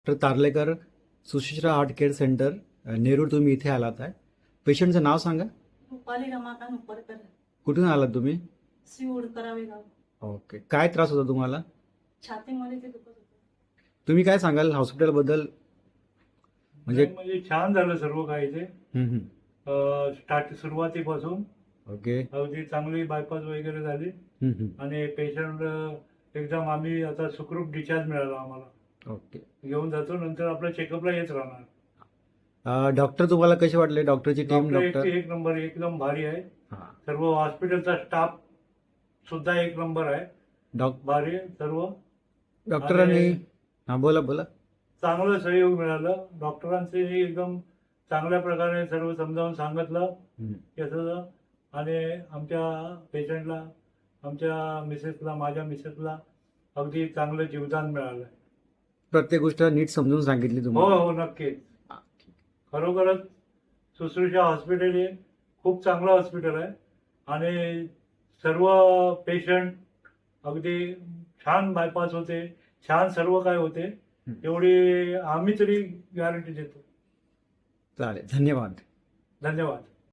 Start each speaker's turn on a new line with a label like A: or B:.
A: Doctor Tarlekar सुशिश्रा heart care centre Nerul, तुम्ही इथे आलात आहे. पेशंटचं नाव सांगा.
B: रुपाली रमाकांत उपरकर,
A: कुठून आलात तुम्ही?
B: श्री करावे गाव.
A: ओके, काय त्रास होता तुम्हाला?
B: छातीमध्ये ते दुखत होतं.
A: तुम्ही काय सांगाल हॉस्पिटलबद्दल?
C: म्हणजे छान झालं सर्व काही ते.
A: हम्म, हम्म.
C: सुरुवातीपासून
A: ओके.
C: अगदी चांगली बायपास वगैरे झाली आणि पेशंट एकदम आम्ही आता सुखरूप डिस्चार्ज मिळाला आम्हाला.
A: ओके.
C: घेऊन जातो, नंतर आपल्या चेकअपला येत राहणार.
A: डॉक्टर तुम्हाला कसे वाटले? डॉक्टरची टीम?
C: डॉक्टर
A: डॉक्टर
C: एक नंबर, एकदम भारी आहे.
A: हां.
C: सर्व हॉस्पिटलचा स्टाफ सुद्धा एक नंबर आहे, भारी आहे सर्व.
A: डॉक्टरांनी
C: आणि
A: हां, बोला बोला.
C: चांगलं सहयोग मिळालं. डॉक्टरांचे एकदम चांगल्या प्रकारे सर्व समजावून सांगितलं
A: हम्म.
C: याचं. आणि आमच्या पेशंटला, आमच्या मिसेसला, माझ्या मिसेसला अगदी चांगलं जीवदान मिळालं.
A: प्रत्येक गोष्ट नीट समजून सांगितली
C: हो
A: तुम्हाला?
C: हो, नक्कीच. खरोखरच सुश्रुषा हॉस्पिटल हे खूप चांगलं हॉस्पिटल आहे आणि सर्व पेशंट अगदी छान बायपास होते, छान सर्व काय होते, एवढी आम्ही तरी गॅरंटी देतो.
A: चालेल, धन्यवाद.
C: धन्यवाद.